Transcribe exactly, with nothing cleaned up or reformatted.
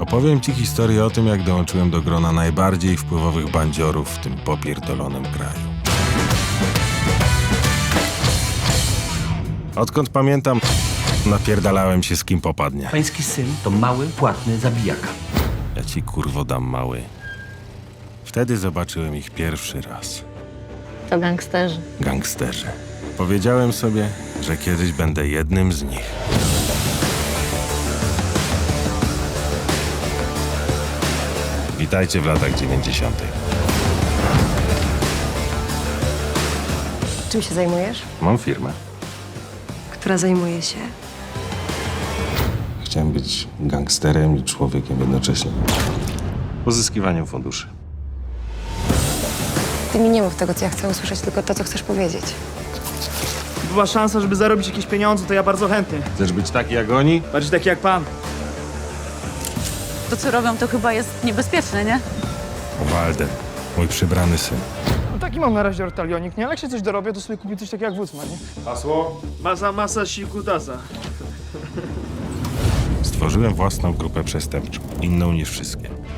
Opowiem ci historię o tym, jak dołączyłem do grona najbardziej wpływowych bandziorów w tym popierdolonym kraju. Odkąd pamiętam, napierdalałem się z kim popadnie. Pański syn to mały, płatny zabijaka. Ja ci kurwo dam mały. Wtedy zobaczyłem ich pierwszy raz. To gangsterzy. Gangsterzy. Powiedziałem sobie, że kiedyś będę jednym z nich. Witajcie w latach dziewięćdziesiątych. Czym się zajmujesz? Mam firmę. Która zajmuje się... Chciałem być gangsterem i człowiekiem jednocześnie. Pozyskiwaniem funduszy. Ty mi nie mów tego, co ja chcę usłyszeć, tylko to, co chcesz powiedzieć. Była szansa, żeby zarobić jakieś pieniądze, to ja bardzo chętny. Chcesz być taki jak oni? Bardziej taki jak pan. To, co robią, to chyba jest niebezpieczne, nie? Walden, mój przybrany syn. No taki mam na razie ortalionik, nie? Ale jak się coś dorobię, to sobie kupię coś takiego jak Wucman, nie? Hasło? Masa, masa, siku, tasa. Stworzyłem własną grupę przestępczą, inną niż wszystkie.